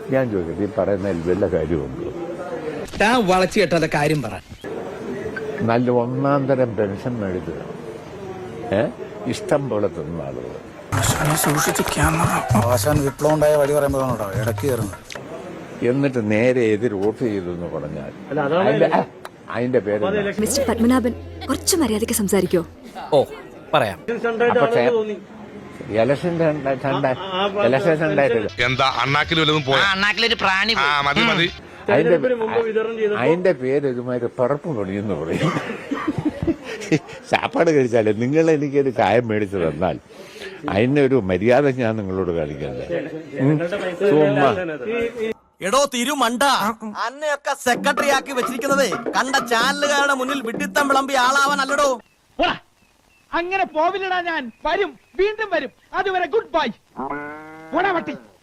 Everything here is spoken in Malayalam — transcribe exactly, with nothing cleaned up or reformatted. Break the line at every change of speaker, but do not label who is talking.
ഞാൻ ചോദിക്കട്ടെ, ഈ പറയുന്നതിൽ വല്ല കാര്യമുണ്ടോ?
താൻ വളച്ചു കേട്ടാ കാര്യം പറ.
നല്ല ഒന്നാം തരം പെൻഷൻ മേടിക്കുക, ഏ ഇഷ്ടം പോലെ തിന്ന ആളുകൾ.
ആശാൻ വിപ്ലവം ഉണ്ടായ വഴി പറയുമ്പോഴാണോ ഇടയ്ക്ക് കയറുന്നത്?
എന്നിട്ട് നേരെ എതിർ വോട്ട് ചെയ്തു എന്ന് പറഞ്ഞാൽ അതിന്റെ പേര്
മിസ്റ്റർ പത്മനാഭൻ കുറച്ച് മര്യാദയ്ക്ക് സംസാരിക്കോ?
ഓ പറയാം.
പക്ഷേ ഇലക്ഷന്റെ ഇലക്ഷൻ ഉണ്ടായിട്ടില്ല.
എന്താ അണ്ണാക്കിൽ വല്ലതും പോയാ?
അണ്ണാക്കിലൊരു പ്രാണി
മതി മതി.
അതിന്റെ അതിന്റെ പേര് ഇതുമാതിരി പറപ്പ് പണിയെന്ന് പറയും. ചാപ്പാട് കഴിച്ചാലേ നിങ്ങൾ എനിക്കൊരു ചായം മേടിച്ചു തന്നാൽ അതിന്റെ ഒരു മര്യാദ ഞാൻ നിങ്ങളോട് കാണിക്കണ്ടേ? ചുമ്മാ
എടോ തിരുമണ്ട, അന്നയൊക്കെ സെക്രട്ടറി ആക്കി വെച്ചിരിക്കുന്നതേ കണ്ട ചാനലുകാരുടെ മുന്നിൽ വിഡിത്തം വിളമ്പി ആളാവാൻ അല്ലടോ.
അങ്ങനെ പോവില്ലടാ, ഞാൻ വരും, വീണ്ടും വരും. അതുവരെ ഗുഡ് ബൈ.